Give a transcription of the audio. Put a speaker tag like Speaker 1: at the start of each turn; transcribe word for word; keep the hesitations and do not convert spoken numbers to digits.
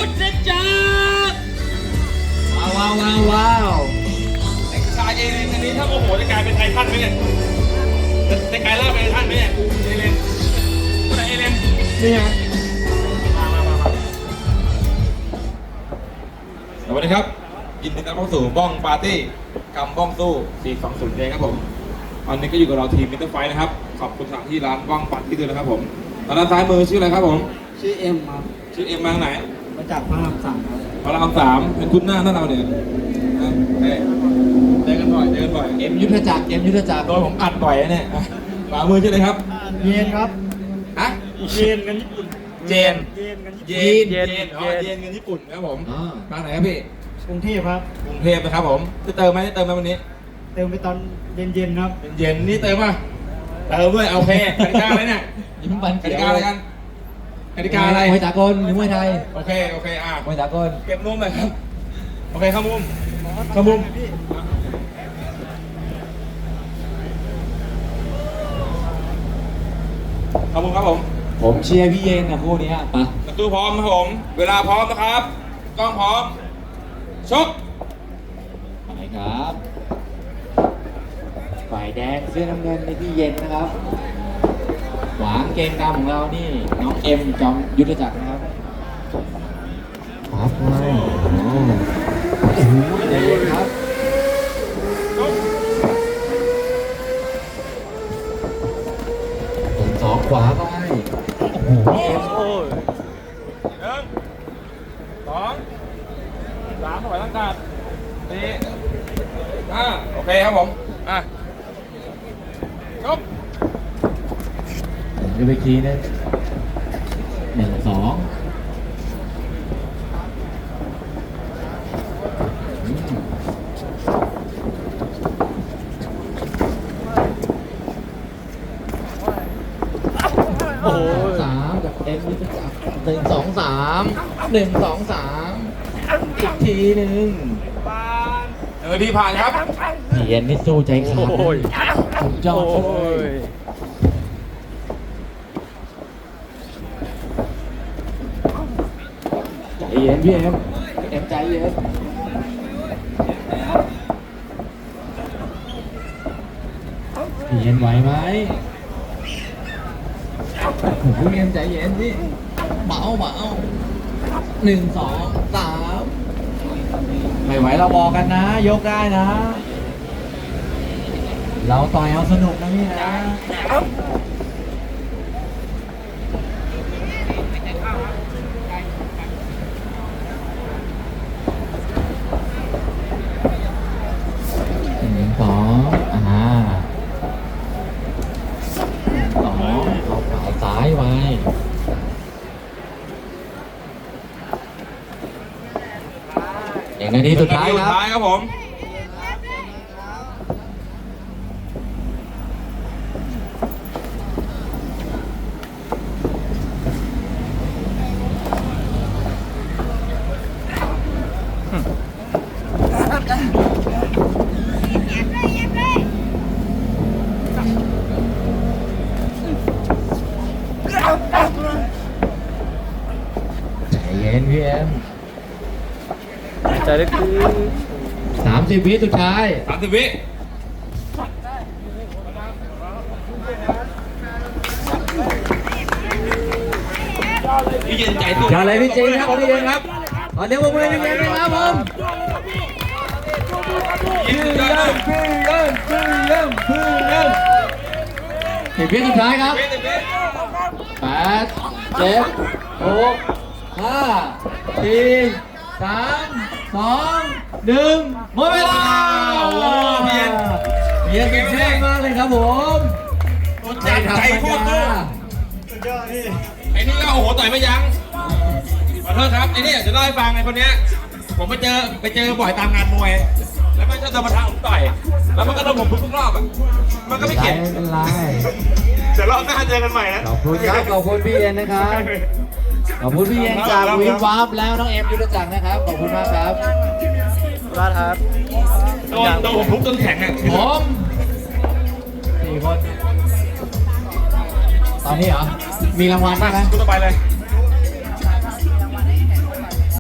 Speaker 1: ยุทธจักรว้าวว้าวว้าวว้าว
Speaker 2: ไอ้ชายเอเลนอันนี้ถ้าโมโหจะกลายเป็นไททันไหมเนี่ยจะจะกลายร่างเป็นไททันไหมเนี่ยเอเลนคนไหนเอเลน
Speaker 1: นี่ไง
Speaker 2: มามามามาสวัสดีครับยินดีต้อนรับเข้าสู่บ้องปาร์ตี้กำบ้องสู้สี่สองศูนย์เองครับผมวันนี้ก็อยู่กับเราทีมมิสเตอร์ไฟท์นะครับขอบคุณสถานที่ร้านบ้องปาร์ตี้ด้วยนะครับผมตอนด้านซ้ายมือชื่ออะไรครับผม
Speaker 1: ชื่อเอ็มครับ
Speaker 2: ชื่อเอ็มมาจากไหน
Speaker 1: มาจากพระรามสามครับ
Speaker 2: พระรามสามเป็นคุณหน้าหน้าเราเนี่ยนะเอ้ยเจอกันบ่อยเจอกันบ่อย
Speaker 1: เอ็มยุทธจักรเอ็มยุทธจักร
Speaker 2: โดยผมอัดบ่อยนะเนี่ยอ่ะขวามือชื่ออะไรครับ
Speaker 1: เย็นครับ
Speaker 2: ฮะ
Speaker 3: เยนกันญี่ปุ่น
Speaker 2: เจน
Speaker 3: เยนกันญี่
Speaker 2: เย
Speaker 3: ปุ่น
Speaker 2: นเยนอ๋อเยนเงินญี่ปุ่นครับผม
Speaker 1: อ่า
Speaker 2: ทางไหนครับพี่
Speaker 3: กรุงเทพครับ
Speaker 2: กรุงเทพนะครับผมจะเติมไหมจะเติมไหมวันนี้
Speaker 3: เติมไปตอนเย็นๆครับ
Speaker 2: เป็นเย็นนี่เติมป่ะเติมด้วยโอเคกติกาอะไรเนี่ย
Speaker 1: ยิ้มบัน
Speaker 2: กติกาอะไรกันกติกาอะไร
Speaker 1: มวยสากลหรือมวยไทย
Speaker 2: โอเคโอเคอ่ะ
Speaker 1: มวยสากล
Speaker 2: เก็บมุมหน่อยครับโอเคเข้ามุมเข้ามุมเข้ามุมครับผม
Speaker 1: ผมเชียร์พี่เย็นนะคู่นี้ปะ
Speaker 2: ประตูพร้อมครับผม เวลาพร้อมนะครับกล้องพร้อมชก
Speaker 1: ไปครับฝ่ายแดงเสื้อน้ำเงินในพี่เย็นนะครับหวางเกมกรรมของเรานี่น้องเอ็มจอมยุทธจักรนะครับครับไม่โอ้โหใจเย็นครับ
Speaker 2: ชก
Speaker 1: ส่งสองขวาไปโอ้โหเอ็ม
Speaker 3: โอ้ย
Speaker 2: หนึ่งสองสามถอยร่างกายสี่ห้าโอเคครับผมอ่ะชก
Speaker 1: ดูไปทีนึงหนึ่งสองโอ้โหสามกับเอ็มนี่จะจับหนึ่งสองสามหนึ่งสองสามอีกทีหนึ่ง
Speaker 2: เออที่ผ่านครับ
Speaker 1: พี่เอ็นนี่สู้ใจขาดนะสุดยอด
Speaker 3: โอ้
Speaker 1: เลย
Speaker 3: ย
Speaker 1: ใจเย็นพี่เอ็มเอ็มใจเย็นพี่เอ็นไหวไหมโอ้โหพี่เอ็มใจเย็นดิเบาเบาหนึ่งสองสามไม่ไหวเราบอกกันนะ ยกได้นะ เราต่อยเอาสนุกนะพี่นะหนึ่งสองอ่าสองเอาขวาซ้ายไว้อย่างนาทีสุดท้ายครับ
Speaker 2: สุดท้ายครับผม
Speaker 1: ใจเย็นพี่เอ็ม
Speaker 3: ใจเล็กคือ
Speaker 1: สามสิบวิสุดท้าย
Speaker 2: สามสิบวิพี่เย็นใจสู้
Speaker 1: เจออะไรพี่เจนครับพี่เจนครับขอเดี๋ยวผมเลยพี่เจนนะครับผม
Speaker 2: ยินดีด้วย
Speaker 1: พี่เอ็มพี่เอ็มพี่เอ็มสิบวิสุดท้ายครับ
Speaker 2: วิสิบวิ
Speaker 1: แปดเจ็ดหกห้าสี่สามสองหนึ่งหมดเวลา
Speaker 2: โอ้โหพี่เย็น
Speaker 1: พี่เย็นเป็นเท่มากเลยครับผม
Speaker 2: ใจใจโคตรสู้
Speaker 3: สุดยอดพี่
Speaker 2: ไอ้นี่ก็โอ้โหต่อยไม่ยั้งขอโทษครับไอ้นี่จะเล่าให้ฟังไอ้คนเนี้ยผมไปเจอไปเจอบ่อยตามงานมวย แล้วมันก็จะมาท้าผมต่อยแล้วมันก็โดนผมทุกรอบอ่ะมันก็ไม่เข็ด
Speaker 1: ไม่เป็นไร
Speaker 2: เดี๋ยวรอบหน้าเจอกันใหม่นะ
Speaker 1: ขอบคุณครับขอบคุณพี่เย็นนะครับขอบคุณพี่เย็นจากวิววาร์ปแล้วน้องเอ็มยุทธจักรนะครับขอบคุณมากครับ
Speaker 3: ร้านครับ
Speaker 2: โดนโดนผมทุบจนแข็งอ่ะ
Speaker 1: ผมสี่คนตอนนี้เหรอมีรางวัลบ้างไหม
Speaker 2: คุณต่อไปเลย